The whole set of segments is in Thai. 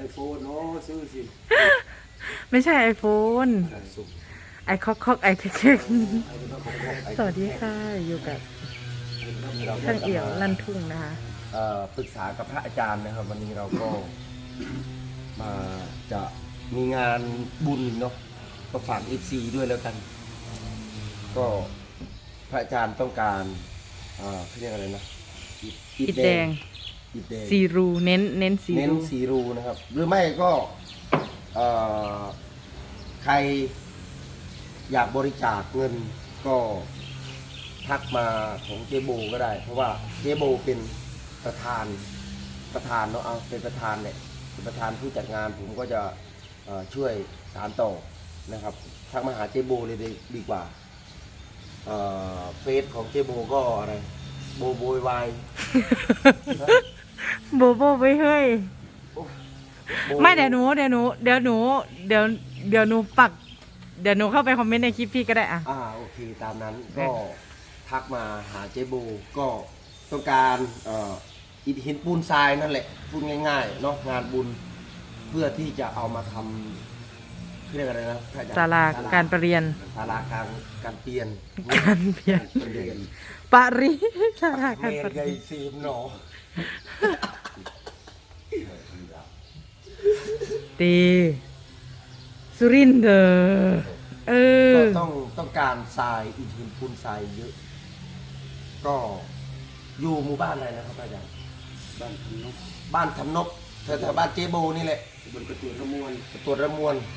โฟนเนาะซื้อสิไม่ใช่ไอโฟนไอคอกไอเทคสวัสดีค่ะอยู่กับช่างเอี่ยวลั่นทุ่งนะคะปรึกษากับพระอาจารย์นะครับวันนี้เราก็มาจะมีงานบุญเนาะก็ฝาก FC ด้วยแล้วกัน ก็พระอาจารย์ต้องการเขาเรียกอะไรนะอิฐแดงซีรูเน้นซีรูนะครับหรือไม่ก็ใครอยากบริจาคเงินก็ทักมาของเจโบก็ได้เพราะว่าเจโบเป็นประธานเนาะเป็นประธานเนี่ยเป็นประธานผู้จัดงานผมก็จะช่วยสานต่อนะครับทักมาหาเจโบเลยดีกว่าเฟซของเจโบก็อะไรโบโบยวายโบโบไปเฮ้ยไม่เดี๋ยวหนูปักเดี๋ยวหนูเข้าไปคอมเมนต์ในคลิปพี่ก็ได้อ่ะโอเคตามนั้นก็ทักมาหาเจโบก็ต้องการอิฐหินปูนทรายนั่นแหละพูดง่ายๆเนาะงานบุญเพื่อที่จะเอามาทำเรียกอะไรนะศาลาการประเรียนศาลาการเปลี่ยนปารีศาลาการประเรียนซีมหนอตีสุรินทร์ก็ต้องการทรายอิฐหินปูนทรายเยอะก็อยู่หมู่บ้านอะไรนะครับอาจารย์บ้านทำนกแถวบ้านเจโบนี่แหละบนกระตวดระมวลแถวกระตวดระ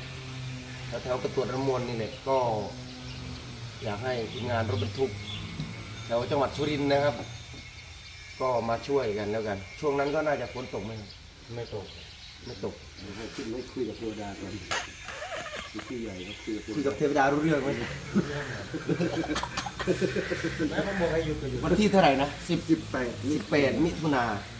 มวลนี่แหละก็อยากให้ทีมงานรถบรรทุกแถวจังหวัดสุรินทร์นะครับก็มาช่วยกันแล้วกันช่วงนั้นก็น่าจะฝนตกไหมไม่ตกไม่คุยกับเทวดาก่อนคุยใหญ่คุยกับเทวดารู้เรื่องไหมวันที่เท่าไหร่นะ18 มิถุนา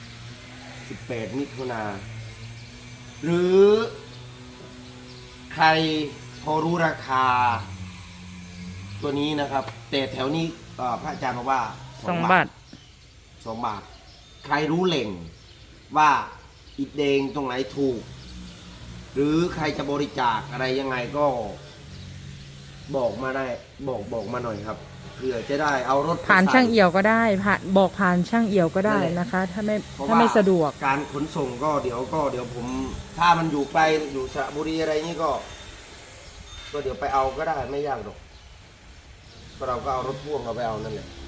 หรือใครพอรู้ราคาตัวนี้นะครับแต่แถวนี้พระอาจารย์บอกว่า 2 บาทใครรู้เหล่งว่าอิฐแดงตรงไหนถูกหรือใครจะบริจาคอะไรยังไงก็บอกมาได้บอกมาหน่อยครับเพื่อจะได้เอารถผ่านช่างเอี่ยวก็ได้ผ่านช่างเอี่ยวก็ได้นะคะถ้าไม่สะดวกการขนส่งก็เดี๋ยวผมถ้ามันอยู่ไกลอยู่สระบุรีอะไรนี่ก็เดี๋ยวไปเอาก็ได้ไม่ยากหรอกก็เราก็เอารถพ่วงเราไปเอานั่นแหละ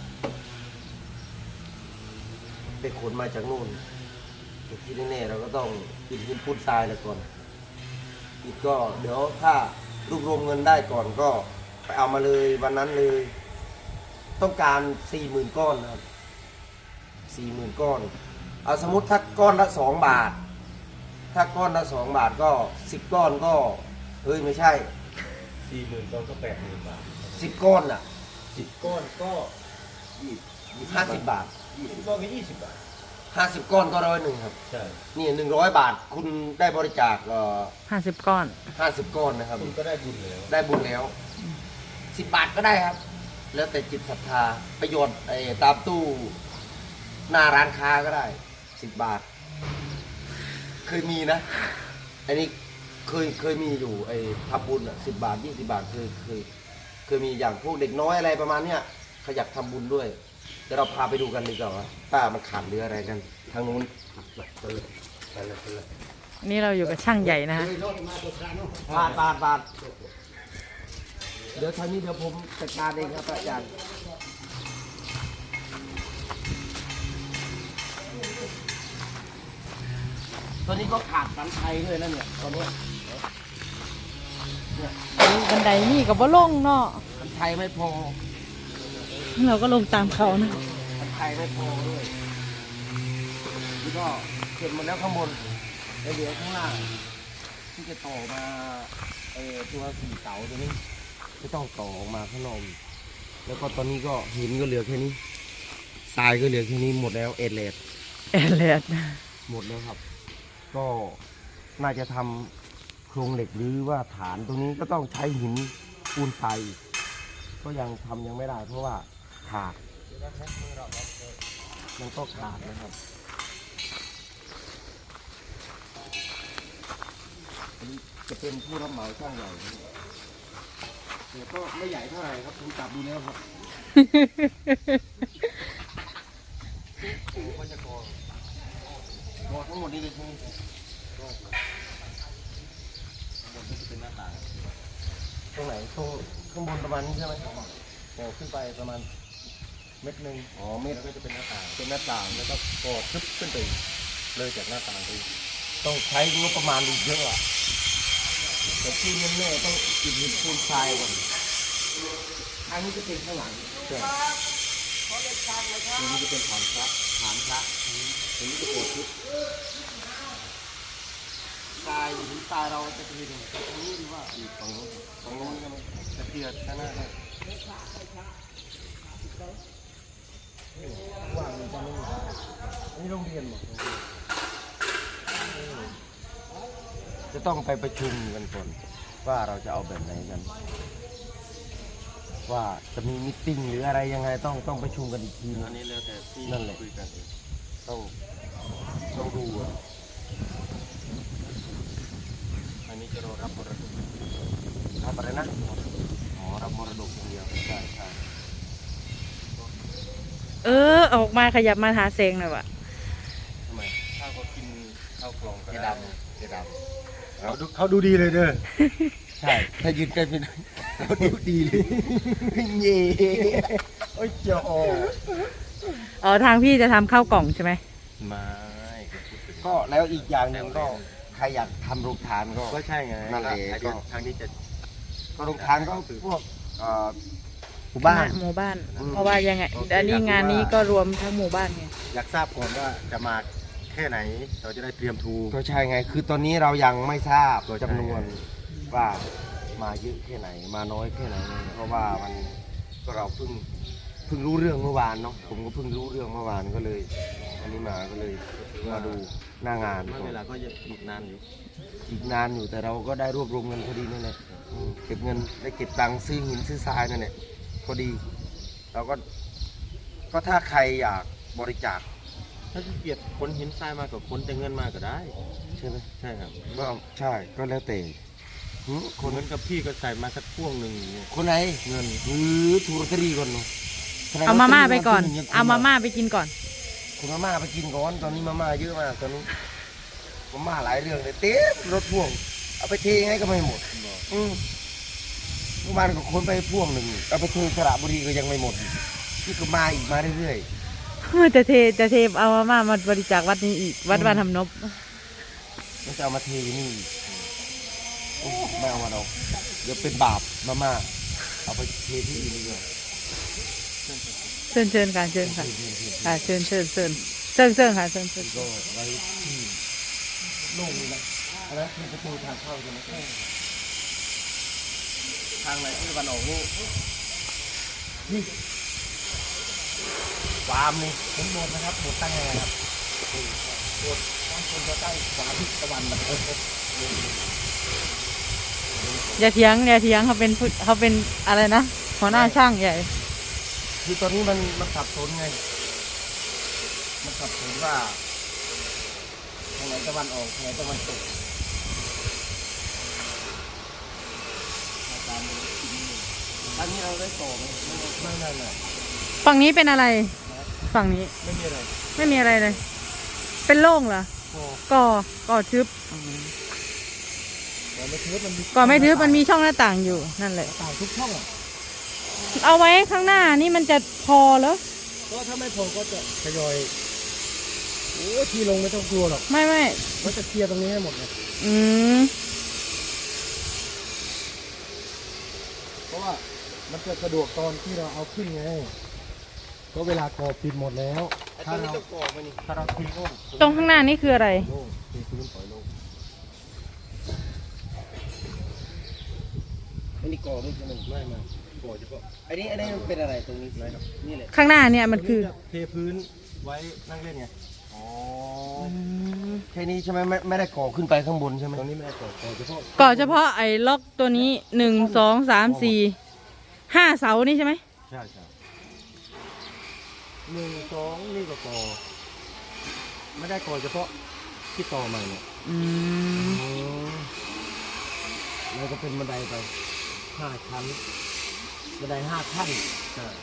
ไปขนมาจากนู่นแต่ที่แน่ๆเราก็ต้องอิฐหินปูนทรายแล้วก่อนอีกก็เดี๋ยวถ้ารวบรวมเงินได้ก่อนก็ไปเอามาเลยวันนั้นเลยต้องการ 40,000 ก้อนนะครับ 40,000 ก้อนเอาสมมติถ้าก้อนละ2 บาทถ้าก้อนละ2 บาทก็10 ก้อนก็ไม่ใช่ 40,000 ก้อนก็ 80,000 บาท 10 ก้อนอ่ะ 10 ก้อนก็ 50 บาท 20 ก้อนก็20 บาท 50 ก้อนก็100ครับใช่นี่100 บาทคุณได้บริจาค 50 ก้อน 50 ก้อนนะครับคุณก็ได้บุญแล้ว 10 บาทก็ได้ครับแล้วแต่จิตศรัทธาประโยชน์ตามตู้หน้าร้านค้าก็ได้10 บาทเคยมีนะอันนี้เคยมีอยู่ทำบุญ10 บาท20 บาทเคยมีอย่างพวกเด็กน้อยอะไรประมาณเนี้ยเขาอยากทำบุญด้วยเดี๋ยวเราพาไปดูกันดีกว่าว่าป้ามันขาดหรืออะไรกันทางนู้นไปเลยนี่เราอยู่กับช่างใหญ่นะฮะบาทเดี๋ยวทางนี้เดี๋ยวผมจัดการเองครับอาจารย์ตอนนี้ก็ขาดบันไดด้วยนะเนี่ยตอนนี้บันไดนี่กับว่าลงเนาะบันไดไม่พอเราก็ลงตามเขานะบันไดไม่พอด้วยนี่ก็เสร็จหมดแล้วข้างบนแล้วเดี๋ยวข้างล่างที่จะต่อมาตัว4 เสาตัวนี้ไม่ต้องต่อออกมาข้างนอกแล้วก็ตอนนี้ก็หินก็เหลือแค่นี้ทรายก็เหลือแค่นี้หมดแล้วเอเลดหมดแล้วครับก็น่าจะทำโครงเหล็กหรือว่าฐานตรงนี้ก็ต้องใช้หินปูนทรายก็ยังไม่ได้เพราะว่าขาดมันก็ขาดนะครับเป็นผู้รับเหมาช่างใหญ่แต่ก็ไม่ใหญ่เท่าไหร่ครับผมจับดูแล้วครับก็จะก่อทั้งหมดนี้เลยใช่ไหมบนก็จะเป็นหน้าต่างตรงไหนตรงข้างบนประมาณนี้ใช่ไหมก่อขึ้นไปประมาณเม็ดหนึ่งเม็ดก็จะเป็นหน้าต่างแล้วก็ก่อทึบขึ้นไปเลยจากหน้าต่างไปต้องใช้งบประมาณอีกเยอะอะแต่ที่แน่ๆต้องอิฐหินปูนทรายก่อนอันนี้จะเป็นข้างหลังใช่อันนี้จะเป็นฐานพระอันนี้จะโกดทึบทรายหินทรายเราจะเป็นตรงนี้หรือว่าอีกฝั่งโน้นใช่ไหมจะเพียรข้างหน้าได้ว่างมันจะไม่มีอันนี้โรงเรียนหมดจะต้องไปประชุมกันก่อนว่าเราจะเอาแบบไหนกันว่าจะมีมิทติ้งหรืออะไรยังไงต้องประชุมกันอีกทีอันนี้แล้วแต่ที่นั่นแหละคุยกันต้องดูอันนี้จะรอรับมรดกรับอะไรนะรับมรดกอย่างเดียวใช่ออกมาขยับมาหาแสงหน่อยวะทำไมถ้าเขากินข้าวกล่องก็เจได้ดำเขาดูดีเลยเด้อใช่ถ้ายืนใกล้เป็นเขาดูดีเลยเย่โอ้ยเจ้าอ๋อทางพี่จะทำข้าวกล่องใช่ไหมไม่ก็แล้วอีกอย่างหนึ่งก็ใครอยากทำโรงทานก็ใช่ไงนั่นแหละก็ทางนี้จะก็โรงทานก็พวกหมู่บ้านหมู่บ้าน เพราะว่ายังไงอันนี้งานนี้ก็รวมทั้งหมู่บ้านไงอยากทราบก่อนว่าจะมาแค่ไหนเราจะได้เตรียมทูกก็ใช่ไงคือตอนนี้เรายังไม่ทราบก็ใช่จำนวนว่ามาเยอะแค่ไหนมาน้อยแค่ไหนเพราะว่ามันก็เราเพิ่งรู้เรื่องเมื่อวานเนาะผมก็เพิ่งรู้เรื่องเมื่อวานก็เลย อันนี้มาก็เลยมาดูหน้างานเวลาก็จะอีกนานอยู่อีกนานอยู่แต่เราก็ได้รวบรวมเงินพอดีนั่นแหละเก็บเงินได้เก็บตังค์ซื้อหินซื้อทรายนั่นแหละพอดี เราก็ถ้าใครอยากบริจาคถ้าขี้เกียจคนหินทรายมากับคนแต่เงินมาก็ได้ใช่ไหมใช่ครับก็ใช่ก็แล้วแต่หึคนนั้นกับพี่ก็ใส่มาสักพ่วงหนึ่งอย่างเงี้ยคนไหนเงินหรือถูกลอตเตอรี่ก่อนเนาะเอามาม่าไปก่อน เอามาม่าไปกินก่อนคุณมาม่าไปกินก่อนตอนนี้มาม่าเยอะมากตอนนี้มาม่าหลายเรื่องเลยเต็มรถพ่วงเอาไปเทยังไงก็ไม่หมดเมื่อวานก็คนไปพ่วงหนึ่งเอาไปเทสระบุรีก็ยังไม่หมดนี่ก็มาอีกมาเรื่อยจะเทเอามาม่ามาบริจาควัดนี้อีก วัดบ้านทำนบๆมันจะเอามาเทอยู่นี่โอ้ไม่เอามาดอกเดี๋ยวเป็นบาปมาม่าเอาไปเทที่อื่นดีกว่าเชิญค่ะเชิญค่ะค่ะเชิญค่ะเชิญก็ไว้ที่โล่งนี่นะอันนั้นคือประตูทางเข้าใช่ไหมทางไหนที่วันออกนี่ฟาร์มนี่ผมโดนนะครับโดนตั้งยังไงครับโดนตั้งคนจะตั้งขวาทิศตะวันแบบอย่าเถียงเขาเป็นอะไรนะหัวหน้าช่างใหญ่คือตอนนี้มันสับสนไงมันสับสนว่าทางไหนตะวันออกทางไหนตะวันตกอันนี้เราได้ต่อไหมไม่ฝั่งนี้เป็นอะไร ฝั่งนี้ไม่มีอะไรไม่มีอะไรเลย เป็นโล่งเหรอ ก่อทึบแต่ไม่ทึบมันมีก่อไม่ทึบมันมีช่องหน้าต่างอยู่นั่นแหละต่างทุกช่องอ่ะเอาไว้ข้างหน้านี่มันจะพอเหรอก็ถ้าไม่พอก็จะทยอยโอ้ที่ลงไม่ต้องกลัวหรอกไม่ก็จะเคลียร์ตรงนี้ให้หมดเลยอืมเพราะว่ามันจะสะดวกตอนที่เราเอาขึ้นไงก็เวลาก่อปิดหมดแล้วถ้าเราทีโล่งตรงข้างหน้านี่คืออะไรโล่งทีพื้นปล่อยโล่งอันนี้ก่อไม่ใช่ไหมไม่ก่อเฉพาะอันนี้มันเป็นอะไรตรงนี้นะครับนี่แหละข้างหน้าเนี่ยมันคือเทพื้นไว้นั่งเล่นไงอ๋อแค่นี้ใช่ไหมไม่ได้ก่อขึ้นไปข้างบนใช่ไหมตรงนี้ไม่ได้ก่อเฉพาะก่อเฉพาะไอ้ล็อกตัวนี้1 2 3 4 5 เสานี่ใช่ไหมใช่1 2นี่ก็ก่อไม่ได้ก่อเฉพาะที่ต่อใหม่เนี่ยอืมแล้วก็เป็นบันไดไป5 ชั้นบันได5 ขั้นใช่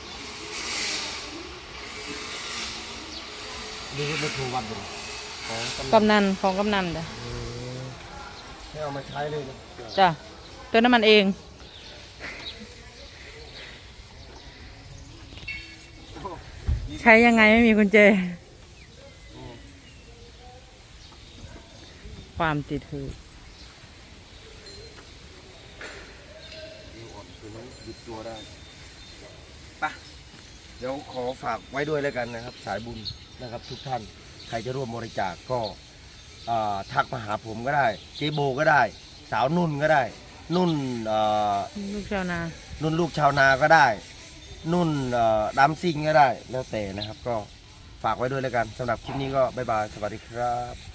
ดูไม่ถูกวัดเลยของกำนันของกำนันจ้ะให้เอามาใช้เลยนะจ้ะเติมน้ำมันเอง ใช้ยังไงไม่มีกุญแจ ความติดหือตัวนี้หยุดตัวได้ปะเดี๋ยวขอฝากไว้ด้วยแล้วกันนะครับ สายบุญนะครับ ทุกท่านใครจะร่วมบริจาคก็ทักมาหาผมก็ได้เจโบก็ได้ สาวนุ่นก็ได้ นุ่นลูกชาวนานุ่นลูกชาวนาก็ได้ นุ่นดัมซิงก็ได้แล้วแต่นะครับ ก็ฝากไว้ด้วยแล้วกันสำหรับคลิปนี้ก็บ๊ายบายสวัสดีครับ